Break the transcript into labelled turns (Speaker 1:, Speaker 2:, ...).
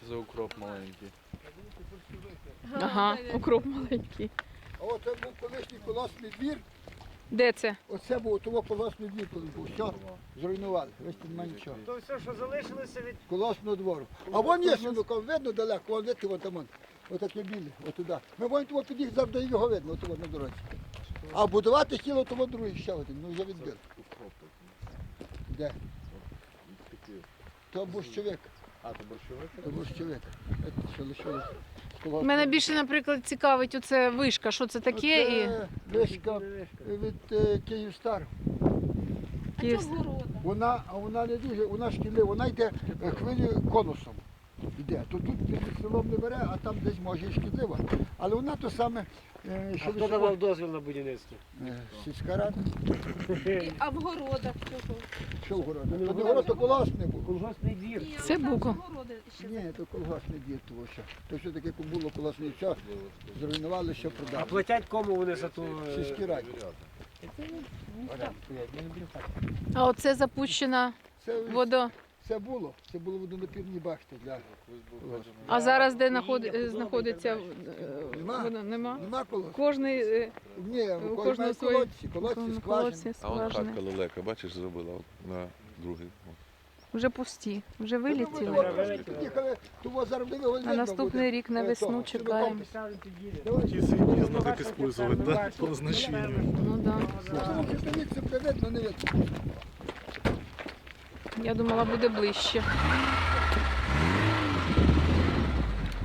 Speaker 1: за укроп маленький?
Speaker 2: Ага, укроп маленький.
Speaker 3: А оце був колишній колосний двір.
Speaker 2: Де це?
Speaker 3: Оце був того колосний двір, коли був. Все, зруйнували. Ось тут немає нічого.
Speaker 4: То все, що залишилося від...
Speaker 3: Колосного двору. А вон є сунуком, видно далеко, вон видите, вон там вон. Отаке біле, отуда. Ми вон того під'їхали, завжди його видно, от на дорозі. А будувати хотіло того другий ще один, ну вже відбили.
Speaker 1: Укроп такий.
Speaker 3: Де?
Speaker 1: Такий.
Speaker 3: То борщовик.
Speaker 1: А, то борщовик?
Speaker 3: То борщовик. Це що лишилось з колосного.
Speaker 2: Мене більше, наприклад, цікавить оце вишка, що це таке і
Speaker 3: Оце вишка від Київстар.
Speaker 2: Київ.
Speaker 3: Вона не дуже, вона шкідлива, вона йде хвилею конусом. Йде. То тут під селом не бере, а там десь може і шкідлива. Але вона то саме,
Speaker 4: А
Speaker 3: що
Speaker 4: хто давав дозвіл на будівництво?
Speaker 3: сільська рада.
Speaker 5: А в городах чого?
Speaker 3: Що в городі? То не город, то колгоспний був.
Speaker 4: Колгоспний двір.
Speaker 2: Це буко.
Speaker 3: Ні, то колгоспний дід того що. То що таке було колгоспний, все зруйнували, що
Speaker 4: А
Speaker 3: продали.
Speaker 4: платять кому вони за ту...
Speaker 3: Сільській раді.
Speaker 2: А оце запущена вода.
Speaker 3: Це було водонапірні башти для.
Speaker 2: А зараз де знаходиться
Speaker 3: Нема.
Speaker 2: вода? Нема.
Speaker 3: Нема колгоспу?
Speaker 2: Кожний
Speaker 3: Ні,
Speaker 2: у
Speaker 3: у
Speaker 2: кожного свої
Speaker 3: колодці, скважини.
Speaker 2: колодці,
Speaker 1: А он
Speaker 2: скважини.
Speaker 1: хатка лелека, бачиш, зробила от на другий.
Speaker 2: Вже пусті, вже
Speaker 3: Ну,
Speaker 2: вилетіли.
Speaker 3: от під'їхали, того заробили, його
Speaker 2: А
Speaker 3: видно
Speaker 2: наступний
Speaker 3: буде.
Speaker 2: рік на весну
Speaker 3: Того,
Speaker 2: чекаємо.
Speaker 6: Ті свиньи надо так использовать, да, по назначению.
Speaker 2: Ну да.
Speaker 3: Тому що дивіться, буде видно, не видно.
Speaker 2: Я думала, буде ближче.